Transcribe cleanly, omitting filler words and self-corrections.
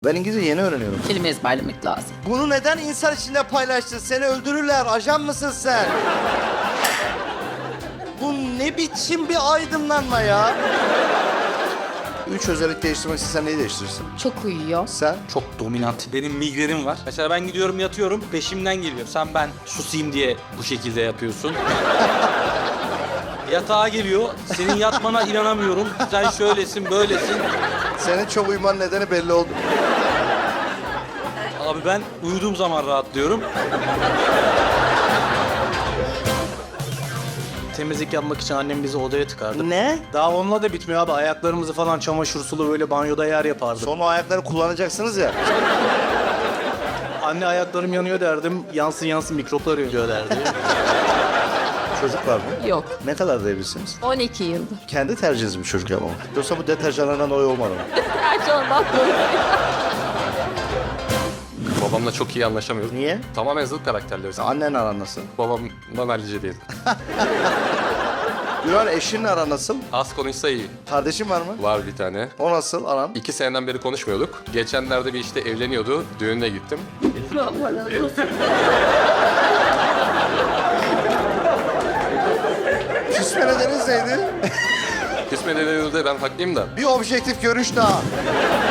Ben İngilizce yeni öğreniyorum. Kelime ezberlemek lazım. Bunu neden insan içinde paylaştın? Seni öldürürler. Ajan mısın sen? Bu ne biçim bir aydınlanma ya? 3 özellik değiştirmek istesen neyi değiştirirsin? Çok uyuyor. Sen? Çok dominant. Benim migrenim var. Mesela ben gidiyorum yatıyorum, peşimden geliyor. Sen ben susayım diye bu şekilde yapıyorsun. Yatağa geliyor, senin yatmana inanamıyorum. Sen şöylesin, böylesin. Senin çok uyuman nedeni belli oldu. Abi ben uyuduğum zaman rahatlıyorum. Temizlik yapmak için annem bizi odaya tıkardı. Ne? Daha onunla da bitmiyor abi. Ayaklarımızı falan çamaşır sulu böyle banyoda yer yapardı. Sonra o ayakları kullanacaksınız ya. Anne ayaklarım yanıyor derdim. Yansın yansın mikroplar ölüyor derdi. Çocuk var mı? Yok. Ne kadar evlisiniz? 12 yıldır. Kendi tercihiniz mi çocuk yapmamak? Yoksa bu deterjanlardan dolayı olmadı mı? Her şey ondan dolayı. Babamla çok iyi anlaşamıyoruz. Niye? Tamamen zıt karakterleriz. Annen aran nasıl? Babamdan hallice değil. Güven eşinle aran nasıl? Az konuşsa iyi. Kardeşin var mı? Var bir tane. O nasıl aran? 2 seneden beri konuşmuyorduk. Geçenlerde bir işte evleniyordu. Düğününe gittim. Küsme nedeniniz neydi? Küsme nedeninde ben haklıyım da. Bir objektif görüş daha.